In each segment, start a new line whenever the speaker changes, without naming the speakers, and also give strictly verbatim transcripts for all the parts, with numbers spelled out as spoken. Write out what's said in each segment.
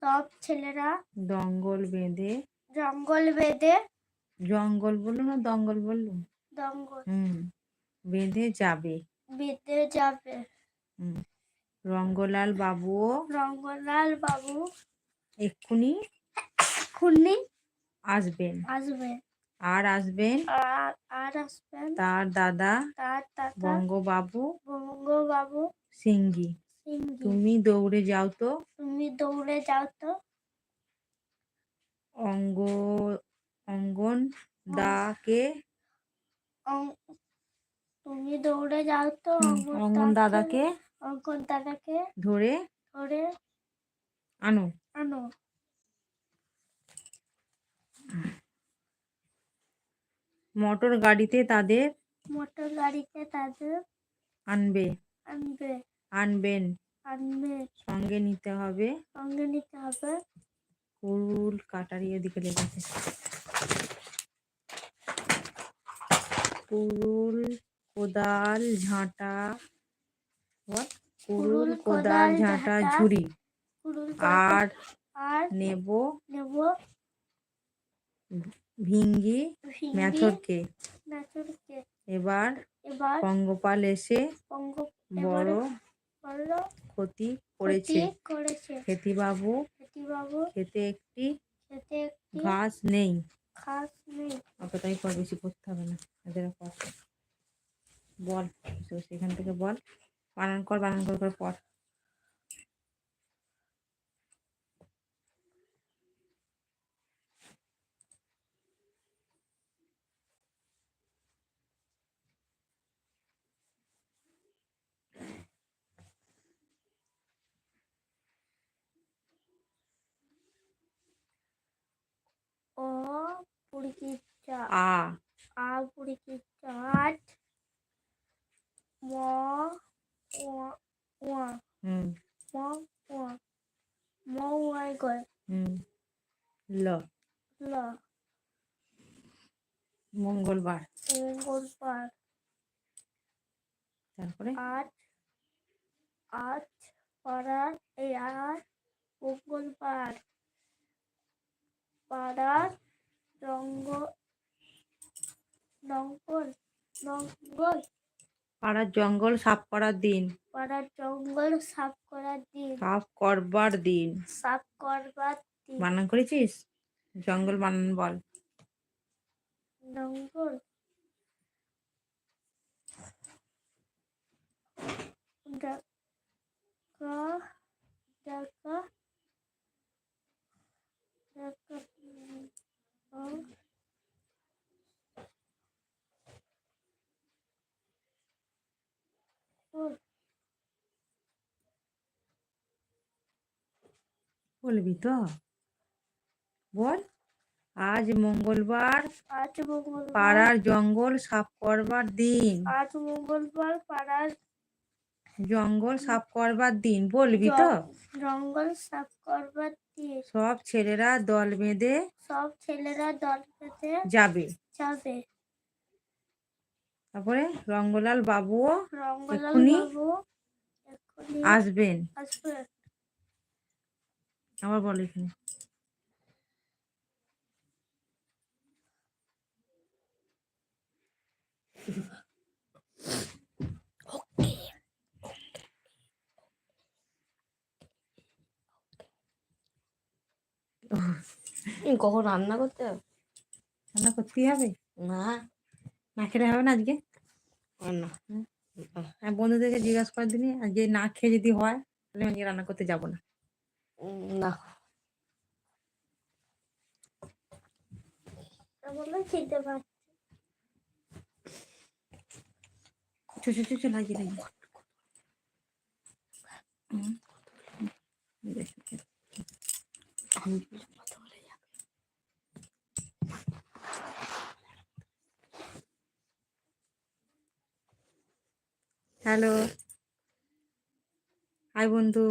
সব ছেলেরা
জঙ্গল বেঁধে
জঙ্গল বেঁধে
জঙ্গল বললো না দঙ্গল বললো
জঙ্গল
হুম বেঁধে যাবে
বেঁধে যাবে।
হুম রঙ্গলাল বাবুও
রঙ্গলাল বাবু
এক্ষুনি
খুনি
আসবেন
আসবে
আর আসবেন
আর আর আসবেন
তার দাদা
তার দাদা
বঙ্গবাবু
বঙ্গবাবু
সিংহি
সিংহি।
তুমি দৌড়ে যাও তো
তুমি দৌড়ে যাও তো
অঙ্গ অঙ্গন দাকে
অং- তুমি দৌড়ে যাও তো
হুম, অঙ্গন দাদাকে
অঙ্কন দাদাকে
ধরে
ধরে
আনো
আনো।
মোটর গাড়িতে তাদের
মোটর গাড়িতে তাদের
আনবে
আনবে
আনবেন
আনবে
সঙ্গে নিতে হবে
সঙ্গে নিতে হবে
কুড়ুল কাটারি এদিকে লেগেছে কুড়ুল কোদাল ঝাঁটা what? কুড়ুল কোদাল ঝাঁটা ঝুড়ি
কুড়ুল
আর
আর
নেব
নেব
ভিঙ্গি
ভিঙ্গি
মেথরকে
মেথরকে।
এবার
এবার
পঙ্গপাল এসে
পঙ্গ
বড়
বড়
ক্ষতি করেছে
করেছে
খেতিবাবু
খেতিবাবু
খেতে একটি
খেতে একটি
ঘাস নেই
ঘাস নেই।
ওকে তাই পর বেশি করতে হবে না এদের পর বল সেখান থেকে বল বানান কর বানান কর করে পর
ও পুরকি চা
আ
আ পুরকি চাট ম ওয়া ওয়া
হুম
ম ওয়া ম ওয়াই গয়
হুম ল
ল
মঙ্গলবার
মঙ্গলবার
তারপরে
আজ আজ পাড়ার এই আজ মঙ্গলবার পাড়ার জঙ্গ জঙ্গল জঙ্গল
পাড়ার জঙ্গল সাফ করার দিন
পাড়ার জঙ্গল সাফ করার দিন
সাফ করবার দিন
সাফ করবার দিন।
বানান করেছিস জঙ্গল বানান বল
জঙ্গল জায়গা জায়গা জায়গা উম, উম,
বলবি তো বল আজ মঙ্গলবার
আজ মঙ্গলবার
পাড়ার জঙ্গল সাফ করবার দিন
আজ মঙ্গলবার পাড়ার
জঙ্গল সাফ করবার দিন বলবি তো
জঙ্গল সাফ করবার দিন।
সব ছেলেরা দল বেঁধে
সব ছেলেরা দল বেঁধে
যাবে
যাবে।
তারপরে রঙ্গলাল বাবুও
রঙ্গলাল
এক্ষুনি
বাবু এক্ষুনি
আসবেন
আসবে।
আবার বল এখানে
কখন রান্না করতে হবে?
রান্না করতেই হবে
না
না খেলে হবে না আজকে
না
হ্যাঁ বন্ধুদেরকে জিজ্ঞাসা করে দিনি আজকে না খেয়ে যদি হয় তাহলে আজকে রান্না করতে যাবো না
না
বলে খেতে পারছি
চো চো চো চো লাগিয়ে লাগিয়ে হুম। হ্যালো হাই বন্ধু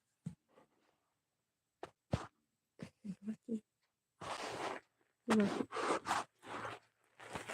কি